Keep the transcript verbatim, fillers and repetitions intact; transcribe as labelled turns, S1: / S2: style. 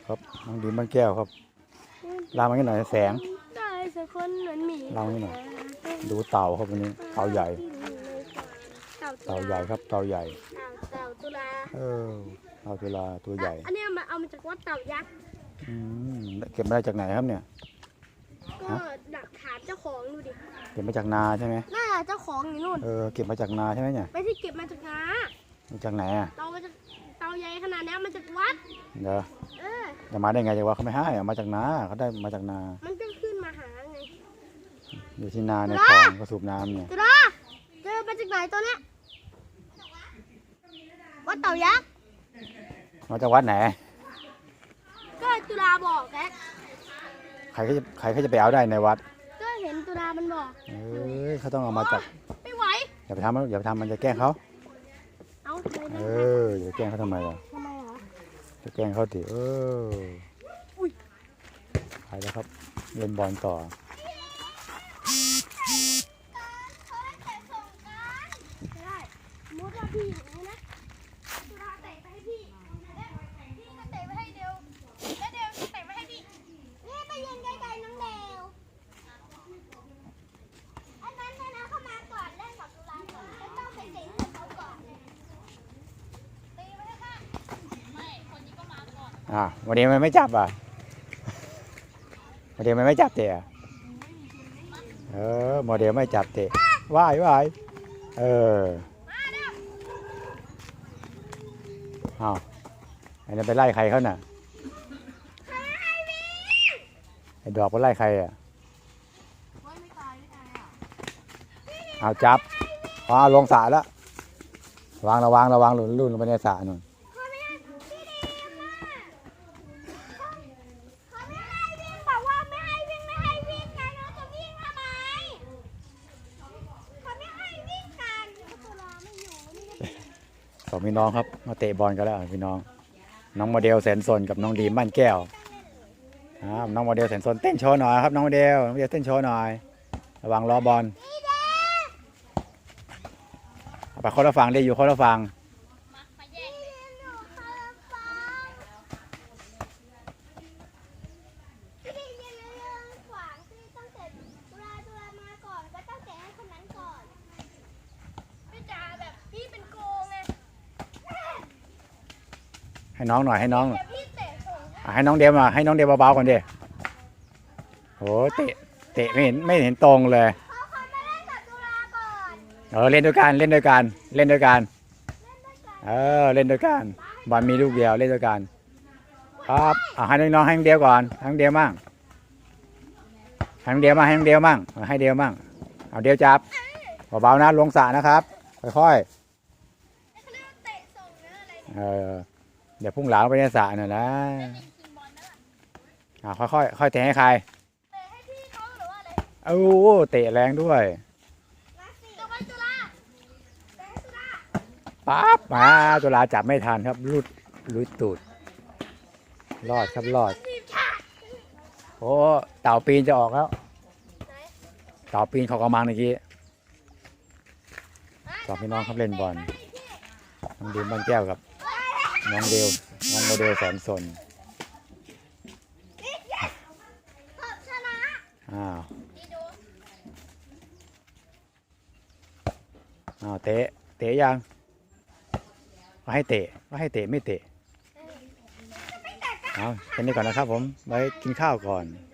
S1: ครับน้องดีมบ้านแก้วครับลามาให้หน่อยแสง
S2: ได้สักคนเหมือนหมี
S1: ลามาให้หน่อยดูเต่าครับวันนี้เต่าใหญ่เต่าใหญ่ครับเต่าใหญ่
S2: เต่าตุลา
S1: เออเต่าตุลาตัวใหญ่
S2: อันนี้เอามาเอามาจากวัดเต่ายักษ์
S1: อืมเก็บมาได้จากไหนครับเนี่ย
S2: ก็ดักถามเจ้าของดูดิ
S1: เก็บมาจากนาใช่ไหม
S2: น่าเจ้าของอยู่นู่น
S1: เออเก็บมาจากนาใช่ไหมเนี่ย
S2: ไปที่เก็บมาจากนา
S1: มาจากไหนอ่ะ
S2: เต่ามาจากเต่าใหญ่ขนาดนี้มาจากวัด
S1: เดี๋ยว
S2: เออ
S1: จะมาได้ไงจะว่าเขาไม่ให้เอามาจากนาเขาได้มาจากนา
S2: มันก็ขึ้นมาหาไง
S1: อยู่ที่นาในคลองก็สูบน้ำเนี่ย
S2: ตุลาเจอมาจากไหนตัวเนี้ยวัดเต่ายักษ์
S1: มาจากวัดไหน
S2: ก็ตุลาบอกแก
S1: ใครเขาจะใครเขาจะไปเอาได้ในวัด
S2: ก็เห็นตุลามันบอก
S1: เอ้ยเขาต้องเอามาจาก
S2: ไม่ไหว
S1: อย่าไปทำมันอย่าไปทำมันจะแกล้งเขา
S2: เอาไป
S1: เอ
S2: ได้
S1: ออย่าไปแกล้งเขาทำไมล่ะ
S2: ทำไมเหรอ
S1: จะแกล้งเขาดิเออไปแล้วครับเล่นบอลต่อ
S2: ได้มุดว่าพี่อย่างนี้นะตุลาเตะไปให้พี่พี่ก็เตะไปให้เดียวแล้วเดียวก็เตะไปให้พี่นี่ไปยืนไกลๆน้องเดวอันนั้นนะนะเข้ามาก่อนเล่นกับตุลาก่อนแล้วต้องไปเตะให้เขาก่อนตีไปให้ค่ะไม่คนนี้ก็มาก่อน
S1: อ่ะวันนี้มันไม่จับอ่ะวันนี้มันไม่จับเตะอ่ะเออโมเดลไม่จับเตะว่ายว่ายเอออ้าวอันนี้ไปไล่ใครเขาน่ะไอ้ดอกไปไล่ใครอ่ะเอาจับพอลงสระแล้วระวังระวังระวังหลุนลุ่นลงไปในสระนู่น
S2: เขาไม่ให้พี่เดมอ่ะเขาไม่ให้วิ่งบอกว่าไม่ให้วิ่งไม่ให้วิ่งกันเราจะวิ่งทำไมเขาไม่ให้วิ่งกันตุลาไม่อยู่นี่ก็
S1: สองพี่น้องครับมาเตะบอลกันแล้วพี่น้องน้องโมเดลแสนสนกับน้องดีมบ้านแก้วครับน้องโมเดลแสนสนเต้นโชว์หน่อยครับน้องโมเดลน้องโมเดลเต้นโชว์หน่อยระวังล้อบอลไปคนละฝั่งดิอยู่คนละฝั่งให้น้องหน่อยให้น้องอ่ะให้น้องเดลมาให้น้องเดลเบาๆก่อนดิโหเตะเตะไม่เห็นไม่เห็นตรงเลยเออเล่นด้วยกันเล่นด้วยกันเล่นด้วยกันเออเล่นด้วยกันบอลมีลูกเดียวเล่นด้วยกันครับอ่ะให้น้องๆให้น้องเดียวก่อนให้น้องเดียวมั่งให้น้องเดียวมั่งให้น้องเดียวมั่งให้เดียวมั่งเอาเดียวจับเบาๆนะลงสระนะครับค่อยๆเออเดี๋ยวพุ่งหลาไปในสระหน่อยนะอ่ะค่อยๆค่อยเตะให้ใครโอ้เตะแรงด้วยปั๊บมาตุลาจับไม่ทันครับลุดลุดตูดรอดครับรอดโอ้เต่าปีนจะออกแล้วเต่าปีนเขากำมังเมื่อกี้สองพี่น้องครับเล่นบอลน้องดีมบ้านแก้วกับน้องเดลน้องโมเดลแสนสนอ้าวอ้าวเตะเตะยังก็ให้เตะก็ให้เตะไม่เตะเอาแค่นี้ก่อนนะครับผมไว้กินข้าวก่อน